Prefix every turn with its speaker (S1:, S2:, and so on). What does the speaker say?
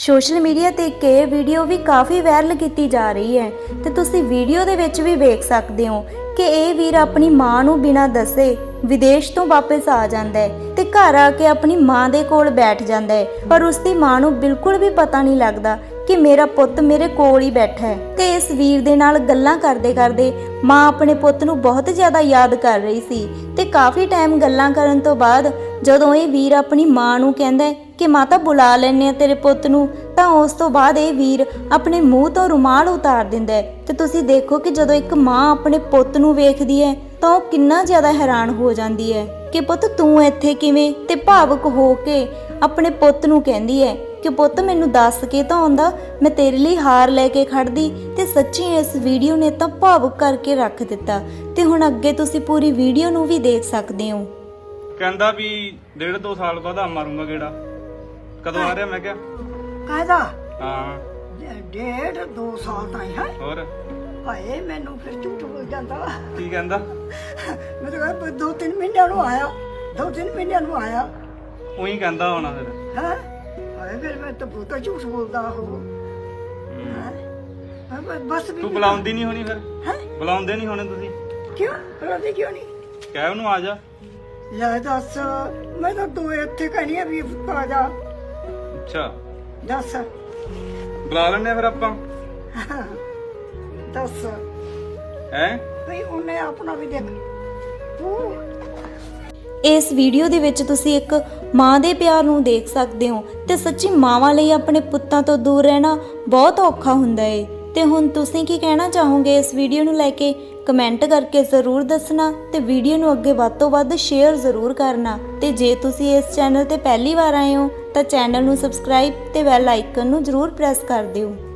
S1: Social media ਤੇ ਇੱਕ ਇਹ ਵੀਡੀਓ ਵੀ ਕਾਫੀ ਵਾਇਰਲ ਕੀਤੀ ਜਾ ਰਹੀ ਹੈ ਤੇ ਤੁਸੀਂ ਵੀਡੀਓ ਦੇ ਵਿੱਚ ਵੀ ਵੇਖ ਸਕਦੇ ਹੋ ਕਿ ਇਹ ਵੀਰ ਆਪਣੀ ਮਾਂ ਨੂੰ ਬਿਨਾਂ ਦੱਸੇ ਵਿਦੇਸ਼ ਤੋਂ ਵਾਪਸ ਆ ਜਾਂਦਾ ਹੈ ਤੇ ਘਰ ਆ ਕੇ ਆਪਣੀ ਮਾਂ ਦੇ ਕੋਲ ਬੈਠ ਜਾਂਦਾ ਹੈ, ਪਰ ਉਸ ਦੀ ਮਾਂ ਨੂੰ ਬਿਲਕੁਲ ਵੀ ਪਤਾ ਨਹੀਂ ਲੱਗਦਾ ਕਿ ਮੇਰਾ ਪੁੱਤ ਮੇਰੇ ਕੋਲ ਹੀ ਬੈਠਾ ਹੈ। ਤੇ ਇਸ ਵੀਰ ਦੇ ਨਾਲ ਗੱਲਾਂ ਕਰਦੇ ਕਰਦੇ ਮਾਂ ਆਪਣੇ ਪੁੱਤ ਨੂੰ ਬਹੁਤ ਜ਼ਿਆਦਾ ਯਾਦ ਕਰ ਰਹੀ ਸੀ ਤੇ ਕਾਫੀ ਟਾਈਮ ਗੱਲਾਂ ਕਰਨ ਤੋਂ ਬਾਅਦ ਜਦੋਂ ਇਹ ਵੀਰ ਆਪਣੀ ਮਾਂ ਨੂੰ ਕਹਿੰਦਾ ਹੈ ਕਿ ਮਾਤਾ ਬੁਲਾ ਲੈਣੇ ਆ ਤੇਰੇ ਪੁੱਤ ਨੂੰ, ਤਾਂ ਉਸ ਤੋਂ ਬਾਅਦ ਇਹ ਵੀਰ ਆਪਣੇ ਮੂੰਹ ਤੋਂ ਰੁਮਾਲ ਉਤਾਰ ਦਿੰਦਾ ਹੈ। ਤੇ ਤੁਸੀਂ ਦੇਖੋ ਕਿ ਜਦੋਂ ਇੱਕ ਮਾਂ ਆਪਣੇ ਪੁੱਤ ਨੂੰ ਵੇਖਦੀ ਹੈ ਤਾਂ ਉਹ ਕਿੰਨਾ ਜ਼ਿਆਦਾ ਹੈਰਾਨ ਹੋ ਜਾਂਦੀ ਹੈ ਕਿ ਪੁੱਤ ਤੂੰ ਇੱਥੇ ਕਿਵੇਂ, ਤੇ ਭਾਵੁਕ ਹੋ ਕੇ ਆਪਣੇ ਪੁੱਤ ਨੂੰ ਕਹਿੰਦੀ ਹੈ ਕਿ ਪੁੱਤ ਮੈਨੂੰ ਦੱਸ ਕੇ ਤਾਂ ਆਉਂਦਾ, ਮੈਂ ਤੇਰੇ ਲਈ ਹਾਰ ਲੈ ਕੇ ਖੜਦੀ। ਤੇ ਸੱਚੀ ਇਸ ਵੀਡੀਓ ਨੇ ਤਾਂ ਭਾਵੁਕ ਕਰਕੇ ਰੱਖ ਦਿੱਤਾ। ਤੇ ਹੁਣ ਅੱਗੇ ਤੁਸੀਂ ਪੂਰੀ ਵੀਡੀਓ ਨੂੰ ਵੀ ਦੇਖ ਸਕਦੇ ਹੋ।
S2: ਕਹਿੰਦਾ ਵੀ 1.5-2 ਸਾਲ ਬਾਅਦ ਮਾਰੂੰਗਾ ਗੇੜਾ। ਕਦੋਂ ਆ ਰਿਹਾ? ਮੈਂ ਕਿਹਾ
S3: ਕਾਹਦਾ
S2: ਹਾਂ
S3: 1.5-2 ਸਾਲ ਤਾਈਂ ਹੈ।
S2: ਹੋਰ
S3: ਹਾਏ ਮੈਨੂੰ ਫਿਰ ਝੂਠ ਬੋਲ ਜਾਂਦਾ।
S2: ਕੀ ਕਹਿੰਦਾ?
S3: ਮੈਂ ਤਾਂ ਕਿਹਾ 2-3 ਮਹੀਨਿਆਂ ਨੂੰ ਆਇਆ, 2-3 ਮਹੀਨਿਆਂ ਨੂੰ ਆਇਆ।
S2: ਉਹੀ ਕਹਿੰਦਾ ਹੋਣਾ ਫਿਰ।
S3: ਹੈ ਹਾਏ ਫਿਰ ਮੈਂ ਤਾਂ ਬਹੁਤਾ ਝੂਠ ਬੋਲਦਾ ਉਹ। ਬਸ ਵੀ
S2: ਤੂੰ ਬੁਲਾਉਂਦੀ ਨਹੀਂ ਹੋਣੀ ਫਿਰ?
S3: ਹੈ
S2: ਬੁਲਾਉਂਦੇ ਨਹੀਂ ਹੋਣੇ ਤੁਸੀਂ?
S3: ਕਿਉਂ ਬੁਲਾਉਂਦੀ ਕਿਉਂ ਨਹੀਂ?
S2: ਕਹਿ ਉਹਨੂੰ ਆ ਜਾ।
S3: ਲੈ ਦੱਸ, ਮੈਂ ਤਾਂ ਦੋ ਇੱਥੇ ਕਹਿਣੀ ਆ ਵੀ ਆ ਜਾ।
S2: ਅੱਛਾ
S3: ਦੱਸ
S2: ਬੁਲਾ ਲੈਣੇ ਫਿਰ ਆਪਾਂ।
S3: ਦੱਸ
S2: ਹੈ
S3: ਭਈ ਉਹਨੇ ਆਪਣਾ ਵੀ ਦੇਖ ਤੂੰ।
S1: ਇਸ ਵੀਡੀਓ ਦੇ ਵਿੱਚ ਤੁਸੀਂ ਇੱਕ ਮਾਂ ਦੇ ਪਿਆਰ ਨੂੰ ਦੇਖ ਸਕਦੇ ਹੋ ਤੇ ਸੱਚੀ ਮਾਵਾਂ ਲਈ ਆਪਣੇ ਪੁੱਤਾਂ ਤੋਂ ਦੂਰ ਰਹਿਣਾ ਬਹੁਤ ਔਖਾ ਹੁੰਦਾ ਏ। ਤੇ ਹੁਣ ਤੁਸੀਂ ਕੀ ਕਹਿਣਾ ਚਾਹੋਗੇ ਇਸ ਵੀਡੀਓ ਨੂੰ ਲੈ ਕੇ? ਕਮੈਂਟ ਕਰਕੇ ਜ਼ਰੂਰ ਦੱਸਣਾ ਤੇ ਵੀਡੀਓ ਨੂੰ ਅੱਗੇ ਵੱਧ ਤੋਂ ਵੱਧ ਸ਼ੇਅਰ ਜ਼ਰੂਰ ਕਰਨਾ। ਤੇ ਜੇ ਤੁਸੀਂ ਇਸ ਚੈਨਲ ਤੇ ਪਹਿਲੀ ਵਾਰ ਆਏ ਹੋ ਤਾਂ ਚੈਨਲ ਨੂੰ ਸਬਸਕ੍ਰਾਈਬ ਤੇ ਬੈਲ ਆਈਕਨ ਨੂੰ ਜ਼ਰੂਰ ਪ੍ਰੈਸ ਕਰ ਦਿਓ।